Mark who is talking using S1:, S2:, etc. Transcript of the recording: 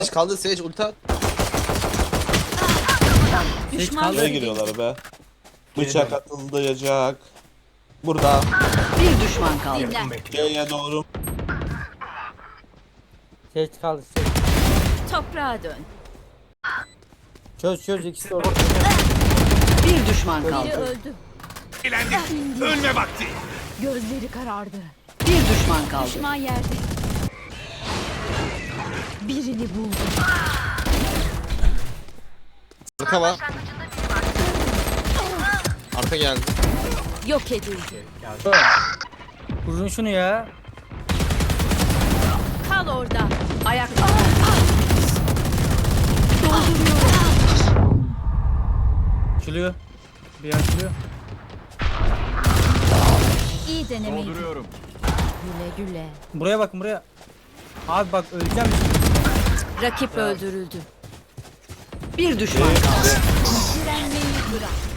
S1: Kaldı Sage ulti at.
S2: Düşman
S3: Nereye giriyorlar be? Bıçak atılacak. Burada.
S2: Bir düşman kaldı.
S3: C'ye doğru.
S4: Seç kaldı seç.
S5: Toprağa dön.
S4: Çöz ikisi orada.
S2: Bir düşman
S5: Biri
S2: kaldı.
S5: öldü.
S6: Ölme vakti.
S5: Gözleri karardı.
S2: Bir düşman kaldı.
S5: Düşman yerde. Birini buldum.
S1: Arka var. Arka geldi.
S5: Yok edildi.
S4: Vurun şunu ya.
S5: Kal orada.
S2: Ayakta.
S4: Açılıyor. Bir açılıyor.
S5: İyi denemeydi.
S6: Dolduruyorum.
S5: Güle güle.
S4: Buraya bakın buraya. Abi bak öleceğim.
S5: Rakip öldürüldü.
S2: Bir düşman kaldı.
S5: Direnmeyi bırak.